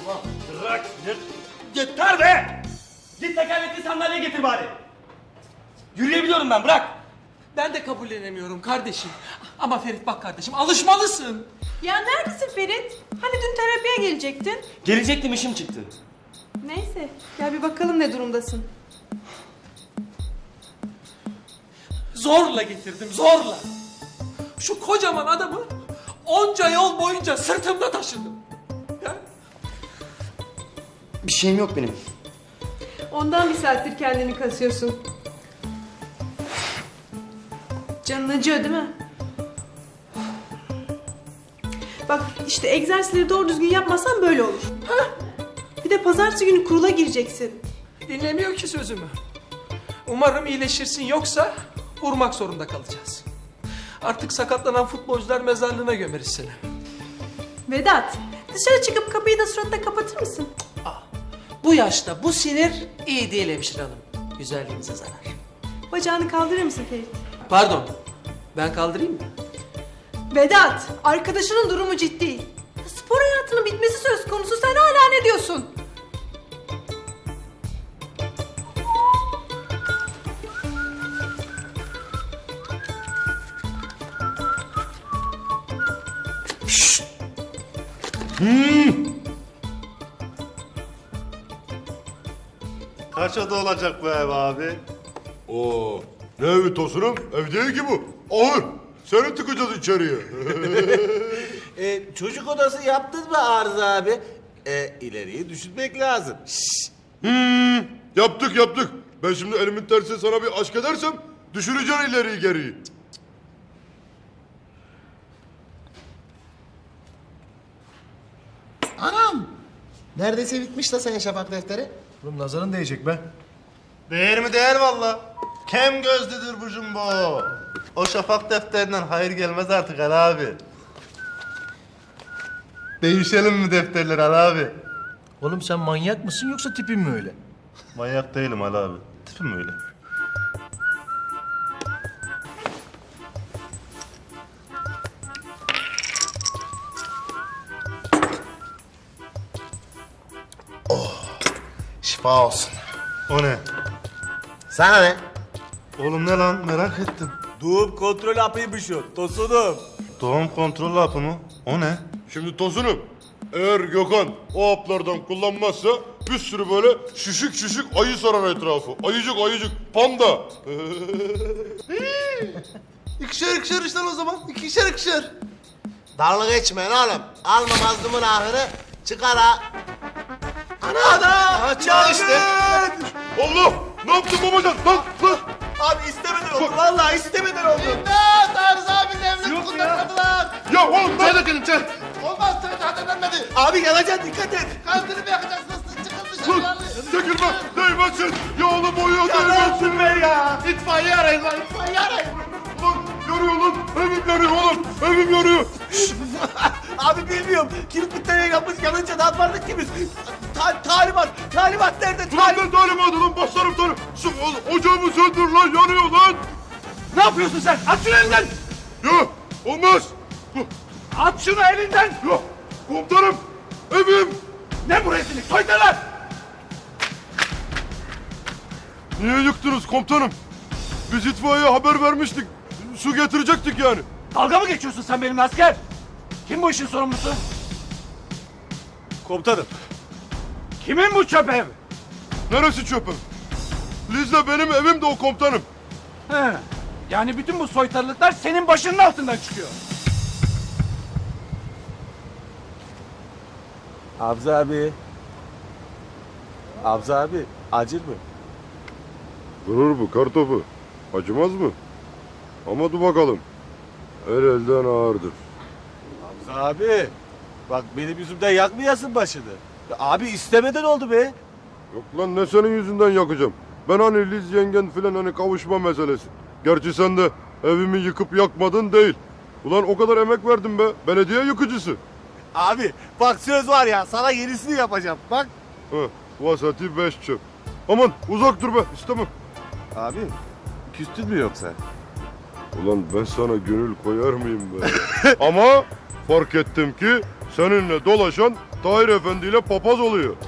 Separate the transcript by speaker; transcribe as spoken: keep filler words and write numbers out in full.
Speaker 1: Allah bırak. Yeter be! Git tekerlekli sandalye getir bari. Yürüyebiliyorum ben, bırak.
Speaker 2: Ben de kabullenemiyorum kardeşim. Ama Ferit bak kardeşim, alışmalısın.
Speaker 3: Ya neredesin Ferit? Hani dün terapiye gelecektin?
Speaker 1: Gelecektim, işim çıktı.
Speaker 3: Neyse, gel bir bakalım ne durumdasın.
Speaker 2: Zorla getirdim, zorla. Şu kocaman adamı onca yol boyunca sırtımda taşıdım. Ya?
Speaker 1: Bir şeyim yok benim.
Speaker 3: Ondan bir saattir kendini kasıyorsun. Canın acıyor değil mi? Bak işte egzersizleri doğru düzgün yapmazsan böyle olur. Hah. Bir de pazartesi günü kurula gireceksin.
Speaker 2: Dinlemiyor ki sözümü. Umarım iyileşirsin, yoksa vurmak zorunda kalacağız. Artık sakatlanan futbolcular mezarlığına gömeriz seni.
Speaker 3: Vedat, dışarı çıkıp kapıyı da suratına kapatır mısın?
Speaker 2: Bu yaşta bu sinir iyi değil hemşire hanım. Güzelliğinize zarar.
Speaker 3: Bacağını kaldırır mısın Ferit?
Speaker 2: Pardon, ben kaldırayım mı?
Speaker 3: Vedat, arkadaşının durumu ciddi. Spor hayatının bitmesi söz konusu, sen hala ne diyorsun?
Speaker 4: Kaç oda olacak bu ev abi?
Speaker 5: Oo, ne evi Tosun'um? Ev değil ki bu. Ahır. Seni tıkacağız içeriye.
Speaker 4: E, çocuk odası yaptın mı Arıza abi? E, ileriyi düşünmek lazım. Şşş.
Speaker 5: hmm, yaptık yaptık. Ben şimdi elimin tersi sana bir aşk edersem düşüreceksin ileriyi geriyi.
Speaker 6: Anam! Neredeyse bitmiş de senin şafak defteri.
Speaker 7: Oğlum nazarın değecek be.
Speaker 4: Değer mi değer valla. Kem gözlüdür bu jumbo. O şafak defterinden hayır gelmez artık Ali abi. Değişelim mi defterleri Ali abi?
Speaker 7: Oğlum sen manyak mısın yoksa tipin mi öyle?
Speaker 4: Manyak değilim Ali abi. Tipim öyle.
Speaker 6: Şifa olsun.
Speaker 4: O ne?
Speaker 6: Sana ne?
Speaker 4: Oğlum ne lan merak ettim.
Speaker 1: Doğum kontrol hapıymış o, Tosunum.
Speaker 4: Doğum kontrol hapı mı? O ne?
Speaker 5: Şimdi Tosun'um, eğer Gökhan o haplardan kullanmazsa bir sürü böyle şişik şişik ayı sarar etrafı. Ayıcık ayıcık panda.
Speaker 6: İkişer ikişer işte o zaman. İkişer ikişer. Dalga geçmeyin oğlum. Alma mazlumun ahını çıkar ha. Ana ana! Açar işte.
Speaker 5: Allah! Ne yaptın babacan? Lan lan!
Speaker 6: Abi istemeden oldu. Vallahi istemeden oldu. İmdat! Arıza abinin evini kundakladılar.
Speaker 5: Ya oğlum
Speaker 6: Çay dökelim çay. Olmaz çay daha demlenmedi. Abi yanacaksın dikkat et. Kandını mı yakacaksınız? Çıkın dışarı.
Speaker 5: Çekilme! Değmesin! Ya oğlum uyuyor
Speaker 6: Ya ne
Speaker 5: değmesin!
Speaker 6: yapsın be ya? İtfaiye arayın lan itfaiye arayın.
Speaker 5: Lan yanıyor lan! Evim yanıyor oğlum! Evim yanıyor!
Speaker 6: Abi bilmiyorum. Kilit bir tane yapmış yanınca ne yapardık ki biz? Ta talimat, talimat nerede?
Speaker 5: Ulan ben talimatı lan başlarım talim! Şu o- ocağımı söndür lan yanıyor lan!
Speaker 2: Ne yapıyorsun sen? At şunu elinden!
Speaker 5: Ya olmaz!
Speaker 2: At şunu elinden!
Speaker 5: Ya komutanım! Evim!
Speaker 2: Ne bu rezillik? Soytarlar!
Speaker 5: Niye yıktınız komutanım? Biz itfaiyeye haber vermiştik. Su getirecektik yani.
Speaker 2: Dalga mı geçiyorsun sen benimle asker? Kim bu işin sorumlusu?
Speaker 1: Komutanım.
Speaker 2: Kimin bu çöp ev?
Speaker 5: Neresi çöpüm? Liz'le benim evim de o komutanım.
Speaker 2: He. Yani bütün bu soytarılıklar senin başının altından çıkıyor.
Speaker 4: Abza abi. Abza abi acır mı?
Speaker 5: Durur bu kartopu. Acımaz mı? Ama dur bakalım. El elden ağırdır.
Speaker 4: Abza abi. Bak benim yüzümden yakmayasın başını. Ya abi istemeden oldu be.
Speaker 5: Yok lan ne senin yüzünden yakacağım. Ben hani Liz yengen filan hani kavuşma meselesi. Gerçi sen de evimi yıkıp yakmadın değil. Ulan o kadar emek verdim be. Belediye yıkıcısı.
Speaker 4: Abi bak söz var ya sana yenisini yapacağım. Bak.
Speaker 5: Heh, vasati beş çöp. Aman uzak dur be istemem.
Speaker 4: Abi küstün mü yoksa?
Speaker 5: Ulan ben sana gönül koyar mıyım be? Ama fark ettim ki seninle dolaşan Tahir Efendi ile papaz oluyor.